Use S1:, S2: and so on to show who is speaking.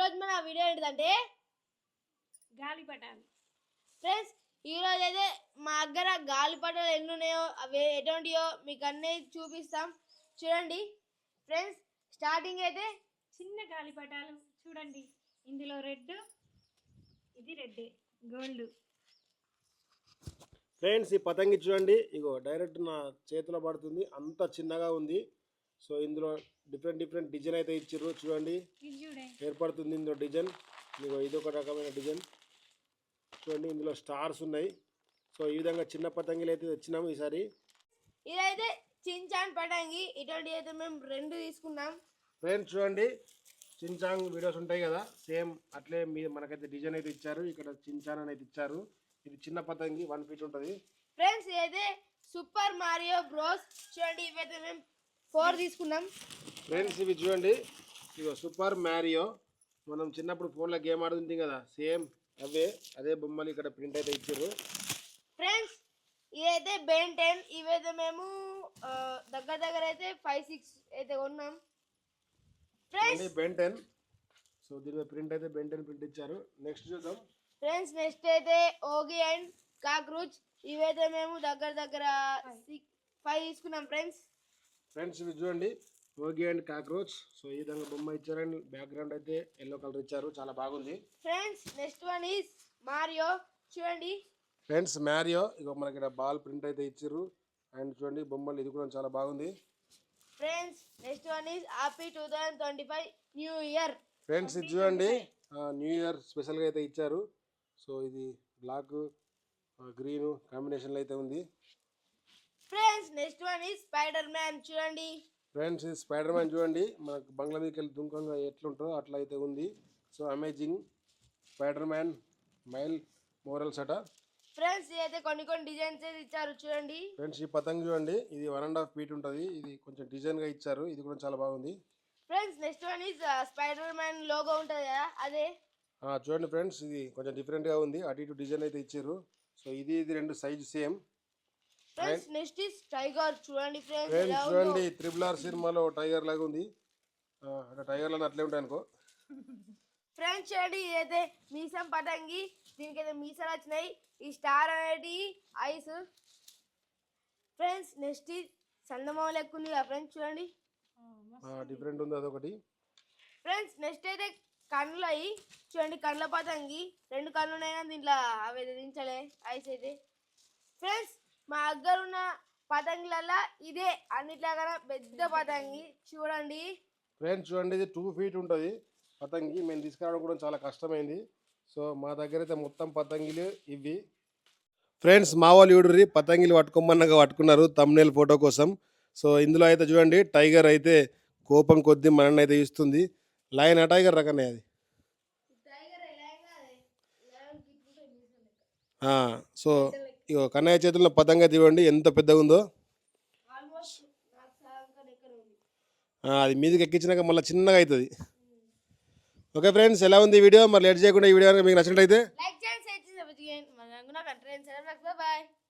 S1: ఈరోజు మన వీడియో ఏంటంటే
S2: గాలిపటాలు.
S1: ఫ్రెండ్స్ ఈరోజు అయితే మా దగ్గర గాలిపటాలు ఎన్ని ఉన్నాయో అవి ఎటువంటియో మీకు అన్నీ చూపిస్తాం. చూడండి ఫ్రెండ్స్, స్టార్టింగ్ అయితే
S2: చిన్న గాలిపటాలు చూడండి. ఇందులో రెడ్, ఇది రెడ్ గోల్డ్.
S3: ఫ్రెండ్స్, ఈ పతంగి చూడండి, ఇగో డైరెక్ట్ నా చేతిలో పడుతుంది, అంత చిన్నగా ఉంది. సో ఇందులో డిఫరెంట్ డిజైన్ అయితే ఇచ్చారు. చూడండి, ఏర్పడుతుంది ఇందులో డిజైన్. ఇగో ఇది ఒక రకమైన డిజైన్ చూడండి. ఇందులో స్టార్స్ ఉన్నాయి. సో ఈ విధంగా చిన్న పతంగిలు అయితే తెచ్చినాము ఈసారి.
S1: ఇదైతే చించాన్ పతంగి, ఇటువంటి అయితే మేము 2 తీసుకున్నాం.
S3: ఫ్రెండ్స్ చూడండి, చించాంగ్ వీడియోస్ ఉంటాయి కదా, సేమ్ అట్లే మనకైతే డిజైన్ అయితే ఇచ్చారు. ఇక్కడ చించాన్ అనేది ఇచ్చారు. ఇది చిన్న పతంగి 1 ఫీట్ ఉంటుంది.
S1: ఫ్రెండ్స్ ఇదైతే సూపర్ మారియో బ్రోస్. చూడండి, ఇవైతే మేము 4 తీసుకున్నాం.
S3: ఫ్రెండ్స్ ఇవి చూడండి, ఇగో సూపర్ మారియో. మనం చిన్నప్పుడు ఫోన్లో గేమ్ ఆడుతుంటాం కదా, సేమ్ అదే బొమ్మలు ఇక్కడ ప్రింట్ అయితే ఇచ్చారు.
S1: ఫ్రెండ్స్ ఇదైతే బెన్ 10. ఇవైతే మేము దగ్గర అయితే 5-6 అయితే కొన్నాం. Friends
S3: Ben 10. సో దీని మీద ప్రింట్ అయితే బెన్ 10 ప్రింట్ ఇచ్చారు. నెక్స్ట్ చూద్దాం.
S1: ఫ్రెండ్స్ నెక్స్ట్ అయితే ఓగి అండ్ కాక్రోచ్. ఇవైతే మేము దగ్గర 5 తీసుకున్నాం. ఫ్రెండ్స్
S3: ఇవి చూడండి, ఓగి అండ్ కాక్రోచ్. సో ఈ విధంగా బొమ్మ ఇచ్చారండి. బ్యాక్గ్రౌండ్ అయితే ఎల్లో కలర్ ఇచ్చారు, చాలా బాగుంది.
S1: Friends next one is Mario. చూడండి
S3: ఫ్రెండ్స్, మారియో ఇగో మనకి ఇక్కడ బాల్ ప్రింట్ అయితే ఇచ్చారు. అండ్ చూడండి బొమ్మలు, ఇది కూడా చాలా బాగుంది.
S1: Friends next one is happy 2025 new year.
S3: Friends ఇది చూడండి, న్యూ ఇయర్ స్పెషల్గా అయితే ఇచ్చారు. సో ఇది బ్లాక్ గ్రీన్ కాంబినేషన్లో అయితే ఉంది.
S1: Friends next one is Spider Man. చూడండి
S3: ఫ్రెండ్స్, ఈ స్పైడర్ మ్యాన్ చూడండి, మనకు బంగ్లా మీదకి వెళ్ళి దుంకంగా ఎట్లుంటుందో అట్లా అయితే ఉంది. So amazing Spider Man Miles Morales అట.
S1: ఫ్రెండ్స్ ఇదైతే కొన్ని డిజైన్స్ అయితే ఇచ్చారు. చూడండి
S3: ఫ్రెండ్స్, ఈ పతంగి చూడండి, ఇది 1.5 ఫీట్ ఉంటుంది. ఇది కొంచెం డిజైన్గా ఇచ్చారు, ఇది కూడా చాలా బాగుంది.
S1: Friends next one is Spider Man logo ఉంటుంది కదా, అదే
S3: చూడండి. ఫ్రెండ్స్ ఇది కొంచెం డిఫరెంట్గా ఉంది, అటు ఇటు డిజైన్ అయితే ఇచ్చారు. సో ఇది 2 size same.
S1: Friends next is tiger. చూడండి ఫ్రెండ్స్
S3: చూడండి, RRR సినిమాలో టైగర్ లాగా ఉంది. అంటే టైగర్ లాగా అట్లే ఉంటాయి అనుకో.
S1: ఫ్రెండ్స్ చూడండి, ఇదైతే మీసం పతంగి. దీనికైతే మీసాలు వచ్చినాయి. ఈ స్టార్ అనేది ఐస్. ఫ్రెండ్స్ నెక్స్ట్ చందమామ లెక్క ఉంది కదా ఫ్రెండ్స్, చూడండి
S3: డిఫరెంట్ ఉంది అదొకటి.
S1: ఫ్రెండ్స్ నెక్స్ట్ అయితే కళ్ళు అయ్యి చూడండి, కళ్ళ పతంగి. 2 కళ్ళు ఉన్నాయి కానీ దీంట్లో అవి దించలే ఐస్ అయితే. ఫ్రెండ్స్ మా దగ్గర ఉన్న పతంగులలో ఇదే అన్నిట్లాగా పెద్ద పతంగి. చూడండి
S3: ఫ్రెండ్స్ చూడండి, ఇది 2 ఫీట్ ఉంటుంది పతంగి. మేము తీసుకురావడం కూడా చాలా కష్టమైంది. సో మా దగ్గర అయితే మొత్తం పతంగిలు ఇవి. ఫ్రెండ్స్ మా వాళ్ళు చూడరి, పతంగిలు పట్టుకోమన్నగా పట్టుకున్నారు థంబ్నెయిల్ ఫోటో కోసం. సో ఇందులో అయితే చూడండి, టైగర్ అయితే కోపం కొద్దీ మనల్ని అయితే ఇస్తుంది. లయన్ ఆ టైగర్ రకనే అది. సో ఇగో కన్నయ్య చేతుల్లో పతంగా తీవండి, ఎంత పెద్దగా ఉందో. అది మీదకి ఎక్కించినాక మళ్ళీ చిన్నగా అవుతుంది. ఓకే ఫ్రెండ్స్, ఎలా ఉంది ఈ వీడియో? మరి లేట్ చేయకుండా ఈ వీడియో మీకు నచ్చినట్లయితే
S1: లైక్ చేయండి, షేర్ చేయండి, బాయ్.